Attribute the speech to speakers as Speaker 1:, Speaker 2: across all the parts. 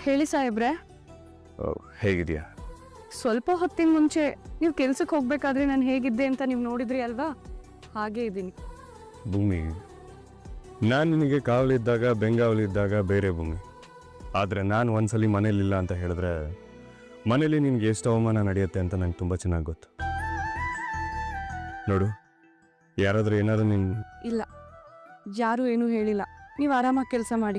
Speaker 1: ಹೇಳಿ ಸಾಹೇಬ್ರೆ.
Speaker 2: ಹೇಗಿದೆಯಾ?
Speaker 1: ಸ್ವಲ್ಪ ಹೊತ್ತಿನ ಮುಂಚೆ ನೀವು ಕೆಲ್ಸಕ್ಕೆ ಹೋಗ್ಬೇಕಾದ್ರೆ ನಾನು ಹೇಗಿದ್ದೆ ಅಂತ ನೀವು ನೋಡಿದ್ರಿ ಅಲ್ವಾ, ಹಾಗೆ ಇದ್ದೀನಿ.
Speaker 2: ಭೂಮಿ, ನಾನು ನಿನಗೆ ಕಾವಲಿದ್ದಾಗ ಬೆಂಗಾವಲಿದ್ದಾಗ ಬೇರೆ ಭೂಮಿ. ಆದರೆ ನಾನು ಒಂದ್ಸಲಿ ಮನೇಲಿಲ್ಲ ಅಂತ ಹೇಳಿದ್ರೆ ಮನೇಲಿ ನಿನ್ಗೆ ಎಷ್ಟು ಅವಮಾನ ನಡೆಯುತ್ತೆ ಅಂತ ನಂಗೆ ತುಂಬ ಚೆನ್ನಾಗಿ ಗೊತ್ತು. ನೋಡು, ಯಾರಾದರೂ ಏನಾದರೂ
Speaker 1: ಇಲ್ಲ, ಯಾರೂ ಏನೂ ಹೇಳಿಲ್ಲ. ನೀವು ಆರಾಮಾಗಿ ಕೆಲಸ ಮಾಡಿ.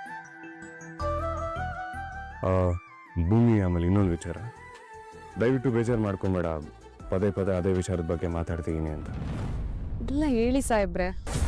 Speaker 2: ಭೂಮಿ, ಆಮೇಲೆ ಇನ್ನೊಂದು ವಿಚಾರ, ದಯವಿಟ್ಟು ಬೇಜಾರು ಮಾಡ್ಕೊಂಬೇಡ. ಪದೇ ಪದೇ ಅದೇ ವಿಚಾರದ ಬಗ್ಗೆ ಮಾತಾಡ್ತೀನಿ ಅಂತ.
Speaker 1: ಇಲ್ಲ ಹೇಳಿ ಸಾಹೇಬ್ರೆ.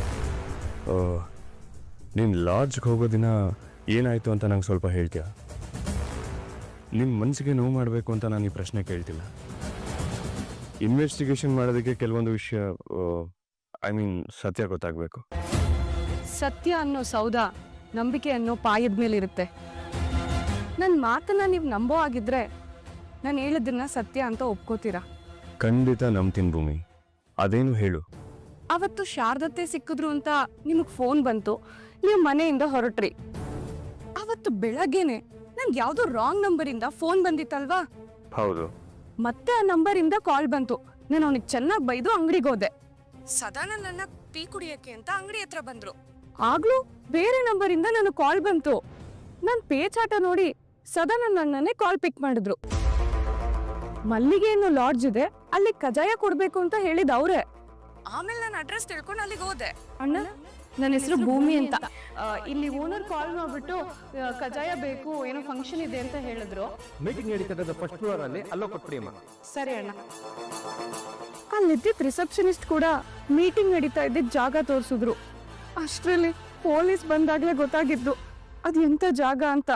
Speaker 2: ನೀನು ಲಾಡ್ಜ್ಗೆ ಹೋಗೋ ದಿನ ಏನಾಯಿತು ಅಂತ ನಂಗೆ ಸ್ವಲ್ಪ ಹೇಳ್ತೀಯ? ನಿಮ್ಮ ಮನಸ್ಸಿಗೆ ನೋವು ಮಾಡಬೇಕು ಅಂತ ನಾನು ಈ ಪ್ರಶ್ನೆ ಕೇಳ್ತಿಲ್ಲ. ಇನ್ವೆಸ್ಟಿಗೇಷನ್ ಮಾಡೋದಕ್ಕೆ ಕೆಲವೊಂದು ವಿಷಯ, ಸತ್ಯ ಗೊತ್ತಾಗಬೇಕು.
Speaker 1: ಸತ್ಯ ಅನ್ನೋ ಸೌದ ನಂಬಿಕೆ ಅನ್ನೋ ಪಾಯದ ಮೇಲಿರುತ್ತೆ. ನನ್ನ ಮಾತನ್ನ ನೀವು ನಂಬೋ ಆಗಿದ್ರೆ ನಾನು ಹೇಳಿದ್ದನ್ನ ಸತ್ಯ ಅಂತ ಒಪ್ಕೋತೀರಾ?
Speaker 2: ಖಂಡಿತ ನಂಬ್ತೀನಿ ಭೂಮಿ. ಅದೇನು ಹೇಳು.
Speaker 1: ಅವತ್ತು ಶಾರದತ್ತೆ ಸಿಕ್ಕಿದ್ರು ಅಂತ ನಿಮಗೆ ಫೋನ್ ಬಂತು, ನೀವು ಮನೆಯಿಂದ ಹೊರಟ್ರಿ. ಅವತ್ತು ಬೆಳಗ್ಗೆನೆ ನಂಗೆ ಯಾವುದೋ ರಾಂಗ್ ನಂಬರಿಂದ ಫೋನ್ ಬಂದಿತ್ತಲ್ವಾ?
Speaker 2: ಹೌದು.
Speaker 1: ಮತ್ತೆ ಆ ನಂಬರಿಂದ ಕಾಲ್ ಬಂತು. ನಾನು ಅವನಿಗೆ ಚೆನ್ನಾಗಿ ಬೈದು ಅಂಗಡಿಗೆ ಹೋದೆ. ಸದಾ ನನ್ನ ಟೀ ಕುಡಿಯಕ್ಕೆ ಅಂತ ಅಂಗಡಿ ಹತ್ರ ಬಂದ್ರು. ಆಗ್ಲೂ ಬೇರೆ ನಂಬರಿಂದ ನನಗೆ ಕಾಲ್ ಬಂತು. ನನ್ನ ಪೇಚಾಟ ನೋಡಿ ಸದಾ ನನ್ನನ್ನೇ ಕಾಲ್ ಪಿಕ್ ಮಾಡಿದ್ರು. ಮಲ್ಲಿಗೆ ಅನ್ನೋ ಲಾಡ್ಜ್ ಇದೆ, ಅಲ್ಲಿ ಕಜಾಯ ಕೊಡ್ಬೇಕು ಅಂತ ಹೇಳಿದ ಅವ್ರೆ. ಆಮೇಲೆ ನಾನು ಅಡ್ರೆಸ್ ತಿಳ್ಕೊಂಡು ಅಲ್ಲಿಗೆ ಹೋದೆ. ಅಣ್ಣ, ನನ್ನ ಹೆಸರು ಭೂಮಿ ಅಂತ. ಇಲ್ಲಿ ಓನರ್ ಕಾಲ್ ಮಾಡ್ಬಿಟ್ಟು ಕಜಾಯ ಬೇಕು, ಏನೋ ಫಂಕ್ಷನ್ ಇದೆ ಅಂತ ಹೇಳಿದ್ರು.
Speaker 3: ಮೀಟಿಂಗ್ ನಡೀತದ ಫಸ್ಟ್ ಫ್ಲೋರ್ ಅಲ್ಲಿ, ಅಲ್ಲೋ ಕೊಟ್ಬಿಡಿ ಅಮ್ಮ.
Speaker 1: ಸರಿ ಅಣ್ಣ. ಅಲ್ಲಿದ್ದಿದ್ದ ರಿಸೆಪ್ಷನಿಸ್ಟ್ ಕೂಡ ಮೀಟಿಂಗ್ ನಡೀತಾ ಇದ್ದಿದ್ದ ಜಾಗ ತೋರಿಸಿದ್ರು. ಅಷ್ಟರಲ್ಲಿ ಪೊಲೀಸ್ ಬಂದಾಗ್ಲೇ ಗೊತ್ತಾಗಿದ್ದು ಅದು ಎಂತ ಜಾಗ ಅಂತ.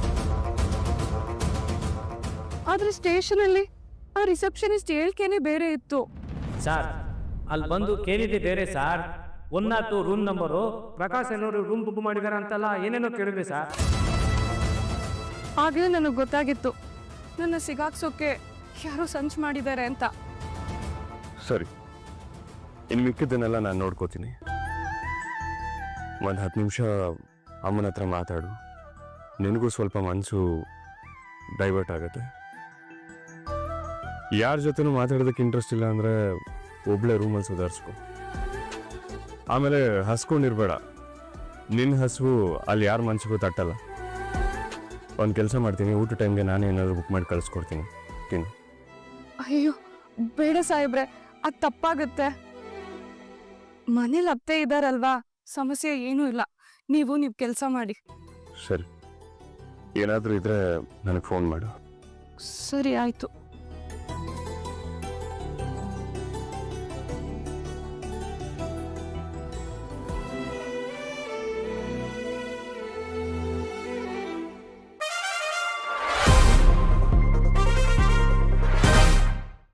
Speaker 1: ಆದ್ರೆ ಸ್ಟೇಷನ್ ಅಲ್ಲಿ ಆ ರಿಸೆಪ್ಷನಿಸ್ಟ್ ಹೇಳಿಕೆನೆ ಬೇರೆ ಇತ್ತು.
Speaker 3: ಸರ್, ಅಲ್ಲಿ ಬಂದು ಕೇಳಿದೆ ಬೇರೆ ಸರ್. 102 ರೂಮ್ ನಂಬರು ಪ್ರಕಾಶ್ ಏನೋರು ರೂಮ್ ಬುಕ್ ಮಾಡಿದಾರ ಅಂತಲ್ಲ, ಏನೇನೋ ಕೇಳಿದೆ ಸರ್.
Speaker 1: ಆಗ್ಲೇ ನನಗೆ ಗೊತ್ತಾಗಿತ್ತು ನನ್ನ ಸಿಗಾಕ್ಸೋಕೆ ಯಾರೋ ಸಂಚು ಮಾಡಿದ್ದಾರೆ ಅಂತ.
Speaker 2: ಸರಿ, ಇನ್ನು ಮಿಕ್ಕಿದ್ದನ್ನೆಲ್ಲ ನಾನು ನೋಡ್ಕೋತೀನಿ. ಒಂದು 10 ನಿಮಿಷ ಅಮ್ಮನ ಹತ್ರ ಮಾತಾಡು. ನಿನಗೂ ಸ್ವಲ್ಪ ಮನಸ್ಸು ಡೈವರ್ಟ್ ಆಗುತ್ತೆ. ಯಾರ ಜೊತೆನೂ ಮಾತಾಡೋದಕ್ಕೆ ಇಂಟ್ರೆಸ್ಟ್ ಇಲ್ಲ ಅಂದರೆ ಒಬ್ಳೆ ರೂಮಲ್ಲಿ ಸುಧಾರಿಸ್ಕೊ. ಆಮೇಲೆ ಹಸ್ಕೊಂಡಿರ್ಬೇಡ. ನಿನ್ನ ಹಸುವು ಅಲ್ಲಿ ಯಾರ ಮನಸ್ಸಿಗೂ ತಟ್ಟಲ್ಲ. ಒಂದು ಕೆಲಸ ಮಾಡ್ತೀನಿ, ಊಟ ಟೈಮ್ಗೆ ನಾನೇ ಏನಾದರೂ ಬುಕ್ ಮಾಡಿ ಕಳಿಸ್ಕೊಡ್ತೀನಿ, ತಿನ್ನು.
Speaker 1: ಅಯ್ಯೋ ಬೇಡ ಸಾಹೇಬ್ರೆ, ಅದು ತಪ್ಪಾಗುತ್ತೆ. ಮನೇಲಿ ಅತ್ತೆ ಇದ್ದಾರಲ್ವಾ, ಸಮಸ್ಯೆ ಏನೂ ಇಲ್ಲ. ನೀವು ಕೆಲಸ ಮಾಡಿ.
Speaker 2: ಸರಿ, ಏನಾದರೂ ಇದ್ರೆ ನನಗೆ ಫೋನ್ ಮಾಡು.
Speaker 1: ಸರಿ ಆಯ್ತು.